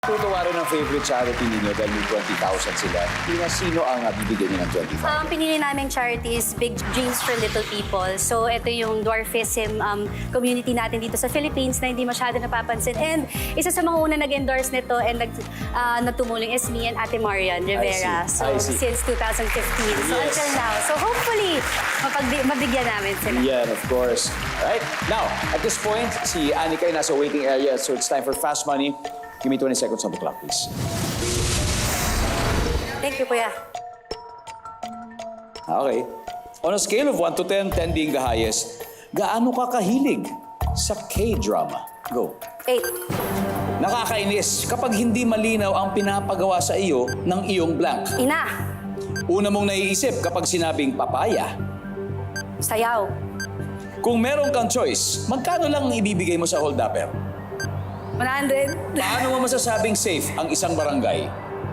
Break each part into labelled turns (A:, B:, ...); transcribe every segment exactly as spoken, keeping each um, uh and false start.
A: Tutuwa rin ang favorite charity ninyo dahil may twenty thousand sila. Tina, sino ang uh, bibigyan niyo ng twenty-five?
B: Ang pinili namin charity is Big Dreams for Little People. So, ito yung dwarfism um, community natin dito sa Philippines na hindi masyado napapansin. And isa sa mga una nag-endorse nito and nag, uh, nagtumulong is me and Ate Marian Rivera.
A: I see.
B: So,
A: I see.
B: since two thousand fifteen. So,
A: Yes.
B: until now. So, hopefully, mapagbi- mabigyan namin sila.
A: Yeah, of course. Alright, now, at this point, si Anika ay nasa waiting area, so it's time for Fast Money. Give me twenty seconds on the clock, please.
B: Thank you, Kuya.
A: Okay. On a scale of one to ten, ten being the highest, gaano ka kahilig sa K-drama? Go.
B: Eight.
A: Nakakainis kapag hindi malinaw ang pinapagawa sa iyo ng iyong blank.
B: Ina.
A: Una mong naiisip kapag sinabing papaya.
B: Sayaw.
A: Kung meron kang choice, magkano lang ang ibibigay mo sa hold-upper?
B: one hundred.
A: Paano mo masasabing safe ang isang barangay?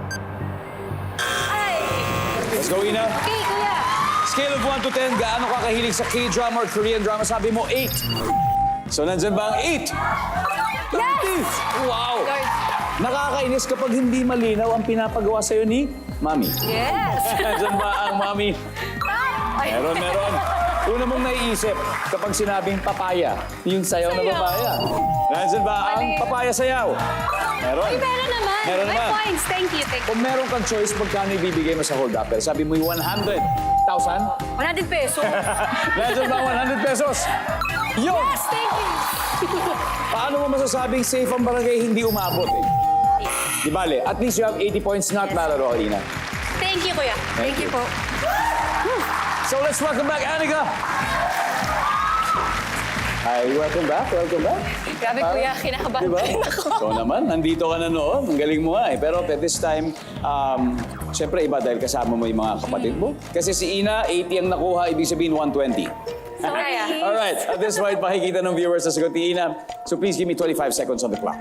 B: Ay!
A: Let's go, Ina.
B: Okay, Kuya.
A: Scale of one to ten, gaano ka kahilig sa K-drama or Korean drama? Sabi mo, eight. So, nandyan ba ang eight?
B: Yes!
A: Wow!
B: Lord.
A: Nakakainis kapag hindi malinaw ang pinapagawa sa'yo ni Mami.
B: Yes!
A: Nandyan ba ang Mami?
B: Ay.
A: Meron, meron. Una mong naiisip kapag sinabing papaya, yung sayaw na
B: Sayaw.
A: papaya. Nandyan ba ang
B: Mali.
A: papaya sayaw? Meron.
B: Ay, meron naman.
A: Meron
B: May
A: naman.
B: points. Thank you, thank you.
A: Kung meron kang choice, magkano ibibigay mo sa hold-upper? Sabi mo yung one hundred thousand?
B: one hundred pesos.
A: Nandyan ba ang one hundred pesos? Yun!
B: Yes, thank you.
A: Paano mo masasabing safe ang barangay hindi umabot eh? Di bale, at least you have eighty points, not bad at all, Ina.
B: Thank you, Kuya. Thank, you po.
A: So let's welcome back Anika. Hi, welcome back, welcome back.
B: Grabe, Kuya. Kinakabahan
A: Diba?
B: din ako.
A: Ikaw naman, nandito ka na noon. Ang galing mo nga eh. Pero at this time, um, syempre iba dahil kasama mo yung mga kapatid mo. Kasi si Ina, eighty ang nakuha, ibig sabihin one twenty.
B: Sorry, ah.
A: Alright, at this point, makikita ng viewers sa sagot ni Ina. So please give me twenty-five seconds on the clock.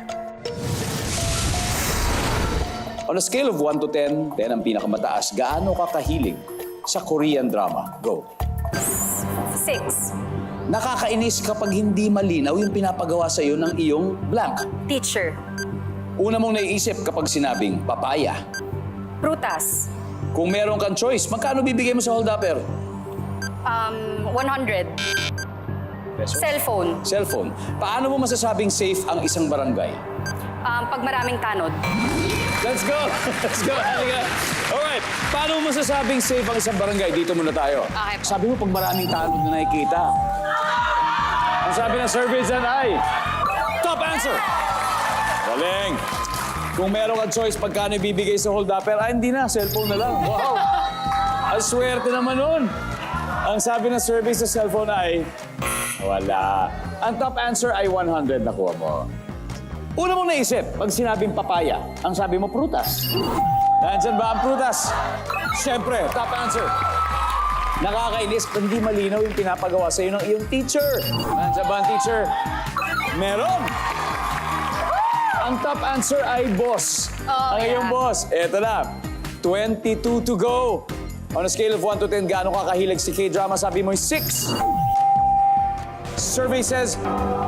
A: On a scale of one to ten, ten ang pinakamataas, gaano ka kahilig sa Korean drama? Go.
B: Six.
A: Nakakainis kapag hindi malinaw yung pinapagawa sa iyo ng iyong blank.
B: Teacher.
A: Una mong naiisip kapag sinabing papaya.
B: Prutas.
A: Kung meron kang choice, magkano bibigay mo sa hold-upper?
B: Um, one hundred. Cellphone.
A: Cellphone. Paano mo masasabing safe ang isang barangay?
B: Um, pag maraming tanod.
A: Let's go! Let's go, Halika! Alright, paano mo masasabing safe ang isang barangay? Dito muna tayo.
B: Okay.
A: Sabi mo pag maraming tanod na nakikita. Ang sabi ng survey dyan ay... Top answer! Galing! Kung meron kang choice, pagkano ibibigay sa hold-upper? Ah, hindi na. Cellphone na lang. Wow! Ang swerte naman nun. Ang sabi ng survey sa cellphone ay... Wala. Ang top answer ay one hundred nakuha mo. Una mong naisip, pag sinabing papaya, ang sabi mo prutas. Nandyan ba ang prutas? Siyempre, top answer. Nakakainis kung hindi malinaw yung pinapagawa sa iyo ng iyong teacher. Nandyan ba ang teacher? Meron. Ang top answer ay boss.
B: Oh,
A: ang iyong
B: yeah.
A: boss. Eto na, twenty-two to go. On a scale of one to ten, gaano ka kahilig si K-drama? Sabi mo six. Survey says,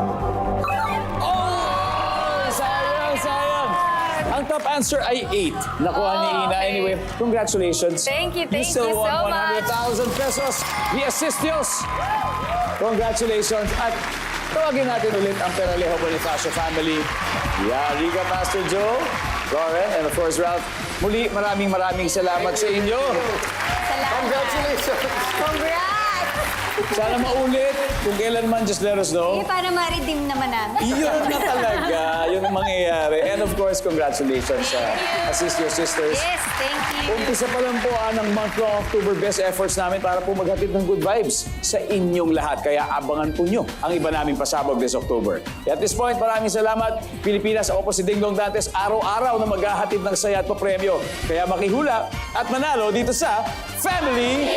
A: sayang, sayang. Ang top answer ay eight. Nakuha ni
B: Oh,
A: Ina.
B: okay.
A: Anyway, congratulations.
B: Thank you, thank
A: still
B: you
A: won
B: so
A: one hundred thousand pesos via Sistios. Congratulations. At tawagin natin ulit ang Peralejo Bonifacio family. Yeah, Rica, Pastor Joe, Lauren, and of course, Ralph. Muli, maraming maraming salamat sa inyo.
B: Salamat.
A: Congratulations.
B: Congrats!
A: Sana maulit. Kung kailan man, just let us know.
B: Eh, para ma-redeem naman namin.
A: Yun na talaga, yun ang mangyayari. And of course, congratulations sa Assist Your Sisters.
B: Yes, thank you.
A: Umpisa pa lang po ah, ng month ng October, best efforts namin para po maghatid ng good vibes sa inyong lahat. Kaya abangan po nyo ang iba naming pasabog this October. At this point, maraming salamat. Pilipinas, ako po si Ding Dong Dantes, araw-araw na maghahatid ng saya at papremyo. Kaya makihula at manalo dito sa Family